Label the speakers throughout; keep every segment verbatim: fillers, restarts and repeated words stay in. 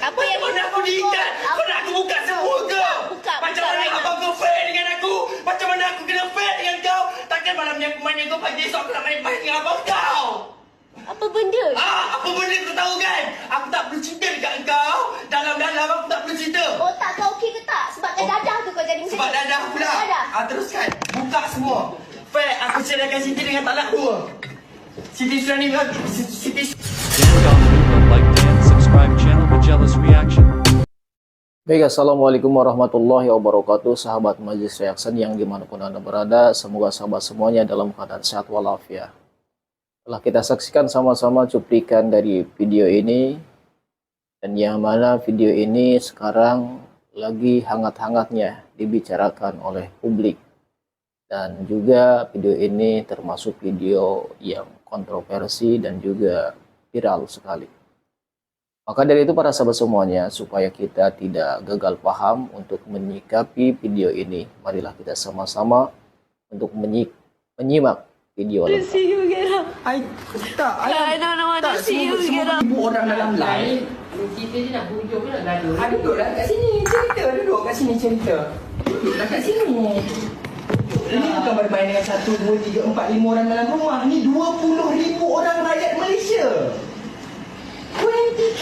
Speaker 1: Apa yang
Speaker 2: mana aku diikat? Kau nak aku buka semua ke?
Speaker 1: Buka,
Speaker 2: Macam
Speaker 1: buka,
Speaker 2: mana
Speaker 1: Raina.
Speaker 2: abang kau fair dengan aku? Macam mana aku kena fair dengan kau? Takkan malam ni aku main kau, pagi esok aku nak main-main dengan abang kau.
Speaker 1: Apa benda?
Speaker 2: Ah, apa benda kau tahu kan? Aku tak perlu cerita dekat engkau. Dalam-dalam aku tak perlu cerita.
Speaker 1: Otak kau okey ke tak? Sebabkan
Speaker 2: Oh.
Speaker 1: dadah tu kau jadi macam
Speaker 2: Sebab
Speaker 1: ni.
Speaker 2: dadah pula.
Speaker 1: Dadah.
Speaker 2: Ah, teruskan. Buka semua. Fair, aku ceraikan Siti dengan talak dua. Siti sudah ni, Siti
Speaker 3: Dan don't lupa like dan subscribe channel Majelis Reaction.
Speaker 4: Baik, Assalamualaikum warahmatullahi wabarakatuh. Sahabat Majelis Reaction yang dimanapun Anda berada, semoga sahabat semuanya dalam keadaan sehat walafiat. Telah kita saksikan sama-sama cuplikan dari video ini, dan yang mana video ini sekarang lagi hangat-hangatnya dibicarakan oleh publik. Dan juga video ini termasuk video yang kontroversi dan juga viral sekali. Maka dari itu para sahabat semuanya, supaya kita tidak gagal paham untuk menyikapi video ini, marilah kita sama-sama untuk menyik menyimak video lengkap.
Speaker 1: See you get up.
Speaker 2: I tak,
Speaker 1: I don't know what to see you get up.
Speaker 2: Ibu orang dalam live.
Speaker 5: Kita je nak hujung ke nak gaduh?
Speaker 2: Ah, duduklah kat sini cerita, duduk kat sini cerita. Duduklah kat sini. Ini bukan bermain dengan satu, dua, tiga, empat, lima orang dalam rumah. Ni dua puluh ribu orang rakyat Malaysia. twenty K.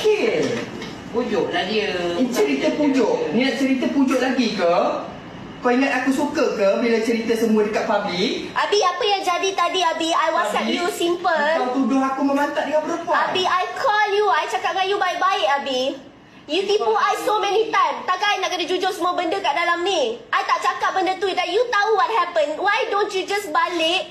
Speaker 5: Pujuk lah dia.
Speaker 2: Ini cerita pujuk. Ni nak cerita pujuk lagi ke? Kau ingat aku suka ke bila cerita semua dekat public?
Speaker 1: Abi, apa yang jadi tadi, Abi? I WhatsApp
Speaker 2: Abi,
Speaker 1: you simple.
Speaker 2: Kau tuduh aku memantat dengan perempuan.
Speaker 1: Abi, I call you. I cakap dengan you baik-baik, Abi. You tipu I so many time. Takkan I nak kena jujur semua benda kat dalam ni? I tak cakap benda tu. Dan you tahu what happened. Why don't you just balik?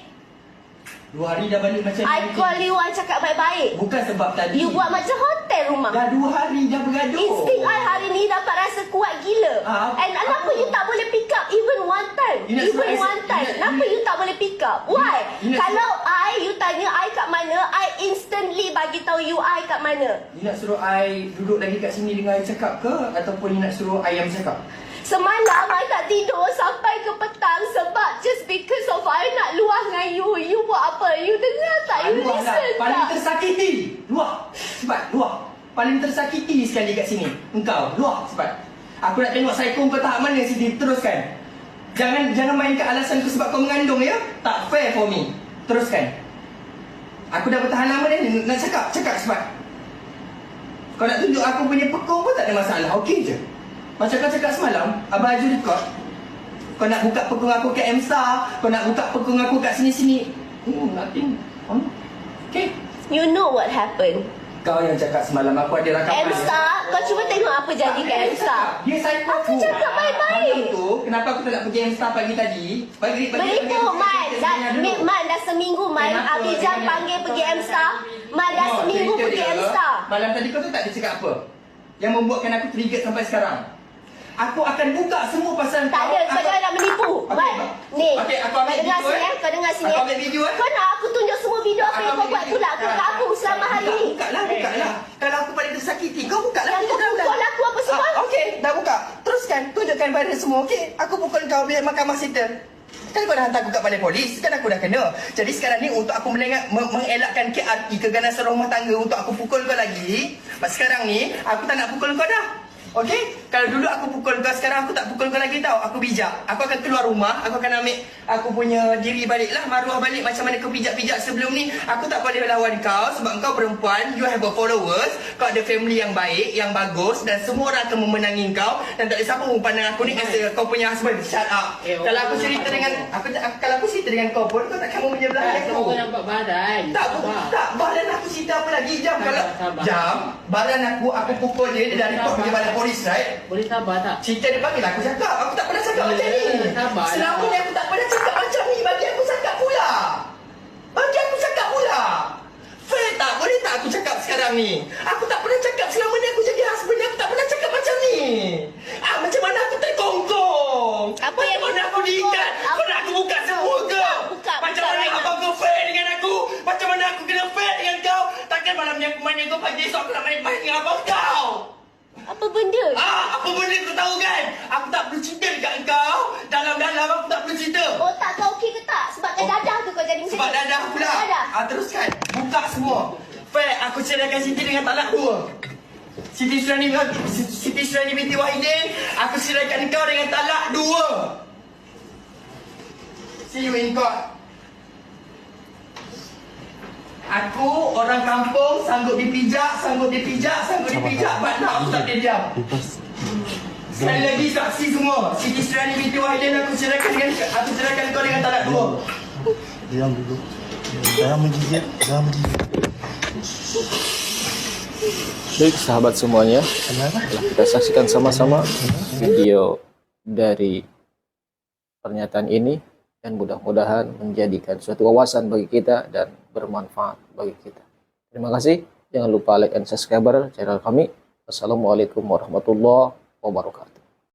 Speaker 2: Dua hari dah balik macam
Speaker 1: I
Speaker 2: ni.
Speaker 1: call you, I cakap baik-baik.
Speaker 2: Bukan sebab tadi.
Speaker 1: You buat macam hotel rumah.
Speaker 2: Dah dua hari dah bergaduh.
Speaker 1: Insting I hari ni dapat rasa kuat gila.
Speaker 2: Ah,
Speaker 1: And
Speaker 2: apa?
Speaker 1: kenapa you tak boleh pick up even one time?
Speaker 2: You nak
Speaker 1: Even
Speaker 2: suruh I-
Speaker 1: one
Speaker 2: you
Speaker 1: time.
Speaker 2: nak-
Speaker 1: Kenapa
Speaker 2: you-
Speaker 1: you tak boleh pick up? Why?
Speaker 2: you nak
Speaker 1: Kalau I, you tanya I kat mana, I instantly bagi tahu you I kat mana.
Speaker 2: You nak suruh I duduk lagi kat sini dengan I cakap ke? Ataupun you nak suruh I yang cakap?
Speaker 1: Semalam I tak tidur sampai ke petang sebab just because of I nak luah dengan you. You buat apa? You dengar tak? You
Speaker 2: Luah
Speaker 1: listen
Speaker 2: lah. Paling
Speaker 1: tak?
Speaker 2: tersakiti. Luah. Cepat, luah. Paling tersakiti sekali kat sini. Engkau, luah cepat. Aku nak tengok psycho kau tahap mana, Siti. Teruskan. Jangan jangan mainkan alasan kau sebab kau mengandung ya. Tak fair for me. Teruskan. Aku dah bertahan lama dah ni. Nak cakap, cakap cepat. Kau nak tunjuk aku punya pekong pun tak ada masalah. Okey je. Macam kau cakap semalam, Abang Aju record. Kau nak buka pekong aku kat M-Star. Kau nak buka pekong aku kat sini-sini. Hmm, nothing. Hmm. Okay.
Speaker 1: You know what happened.
Speaker 2: Kau yang cakap semalam aku ada rakaman.
Speaker 1: M-Star, kau cuba tengok apa jadi kat M-Star.
Speaker 2: Dia psycho
Speaker 1: Aku cakap baik-baik.
Speaker 2: Malam tu, kenapa aku tak nak pergi M-Star pagi tadi? Pagi pagi.
Speaker 1: Menipu Man. Dah, Mi- Man dah seminggu Man.
Speaker 2: Kenapa?
Speaker 1: Abijam
Speaker 2: Kenapa?
Speaker 1: panggil pergi M-Star. Man dah
Speaker 2: Oh,
Speaker 1: seminggu
Speaker 2: cerita
Speaker 1: pergi
Speaker 2: dia,
Speaker 1: M-Star.
Speaker 2: Malam tadi kau tu tak ada cakap apa? Yang membuatkan aku trigger sampai sekarang. Aku akan buka semua pasal
Speaker 1: Tak ada, kau
Speaker 2: Aku-
Speaker 1: jangan nak menipu.
Speaker 2: Okey,
Speaker 1: Man, ni.
Speaker 2: okey, aku
Speaker 1: Kau
Speaker 2: ambil
Speaker 1: dengar
Speaker 2: video,
Speaker 1: sini
Speaker 2: eh.
Speaker 1: eh. Kau dengar sini
Speaker 2: Aku
Speaker 1: eh.
Speaker 2: ambil video, eh.
Speaker 1: Kau nak aku tunjuk semua video apa
Speaker 2: Aku
Speaker 1: yang kau
Speaker 2: ambil
Speaker 1: buat
Speaker 2: video.
Speaker 1: tu lah. Kau kat aku selama hari
Speaker 2: Buka,
Speaker 1: ni.
Speaker 2: Buka lah, buka lah. Kalau aku paling tersakiti, kau buka lah.
Speaker 1: Yang kau pukul aku apa semua?
Speaker 2: Ah, Okey, dah buka. Teruskan, tunjukkan pada semua. Okey, aku pukul kau biar mahkamah settle. Kan kau dah hantar aku kat balai polis, kan aku dah kena. Jadi sekarang ni untuk aku melengak, me- mengelakkan K R T, keganasan rumah tangga untuk aku pukul kau lagi. Mas sekarang ni, aku tak nak pukul kau dah. Okey? Kalau dulu aku pukul kau, sekarang aku tak pukul kau lagi tau. Aku bijak. Aku akan keluar rumah, aku akan ambil aku punya diri balik lah, maruah balik macam mana kau pijak-pijak sebelum ni. Aku tak boleh lawan kau sebab kau perempuan, you have a followers, kau ada family yang baik, yang bagus dan semua orang akan memenangi kau dan tak ada siapa pun pandang aku ni as a, kau punya husband. Shut up.
Speaker 5: Eh,
Speaker 2: Kalau aku
Speaker 5: orang
Speaker 2: cerita
Speaker 5: orang
Speaker 2: dengan aku, aku kalau aku cerita dengan kau pun kau takkan mau menyebelah
Speaker 5: Kau
Speaker 2: aku.
Speaker 5: kau nampak badan.
Speaker 2: Tak,
Speaker 5: Sabar.
Speaker 2: tak, badan aku cerita apa lagi jam
Speaker 5: Sabar,
Speaker 2: kalau
Speaker 5: sabar.
Speaker 2: jam badan aku aku pukul dia dia dah report pergi balai polis, right?
Speaker 5: Boleh sabar tak?
Speaker 2: Cerita dia panggil aku cakap. Aku tak pernah cakap
Speaker 5: Ya,
Speaker 2: macam ni.
Speaker 5: sabarlah.
Speaker 2: Selama ni aku tak pernah cakap macam ni. Bagi aku cakap pula. Bagi aku cakap pula. Fair tak? Boleh tak aku cakap sekarang ni? Aku tak pernah cakap selama ni aku jadi husband ni. Aku tak pernah cakap macam ni. Ah, macam mana aku terkongkong?
Speaker 1: Apa yang
Speaker 2: Macam mana
Speaker 1: you
Speaker 2: aku diikat?
Speaker 1: terkongkong?
Speaker 2: Kau nak aku buka semua ke?
Speaker 1: Buka,
Speaker 2: Macam
Speaker 1: buka,
Speaker 2: mana
Speaker 1: Raina.
Speaker 2: abang kau fair dengan aku? Macam mana aku kena fair dengan kau? Takkan malam ni aku main dengan kau, pagi esok aku nak main-main dengan abang kau.
Speaker 1: Apa benda?
Speaker 2: Ah, apa benda kau tahu kan? Aku tak perlu cerita dekat engkau. Dalam-dalam aku tak perlu cerita.
Speaker 1: Otak kau okey ke tak? Sebabkan
Speaker 2: Oh.
Speaker 1: dadah tu kau jadi macam
Speaker 2: Sebab
Speaker 1: ni.
Speaker 2: dadah pula.
Speaker 1: Dadah.
Speaker 2: Ah, teruskan. Buka semua. Fair, aku ceraikan Siti dengan talak dua. Siti Surani Siti Surani binti Wahidin, aku serahkan kau dengan talak dua. See you in court. Aku orang kampung, sanggup dipijak, sanggup dipijak, sanggup dipijak. But now aku tak boleh diam. Sekali lagi saksi semua, Siti Surani binti Wahidin, aku serahkan dengan aku serahkan kau dengan talak dua.
Speaker 6: Diam dulu. Jangan menggigit, jangan menggigit.
Speaker 4: Baik sahabat semuanya,
Speaker 6: Kenapa?
Speaker 4: telah kita saksikan sama-sama video dari pernyataan ini dan mudah-mudahan menjadikan suatu wawasan bagi kita dan bermanfaat bagi kita. Terima kasih. Jangan lupa like and subscribe channel kami. Wassalamualaikum warahmatullahi wabarakatuh.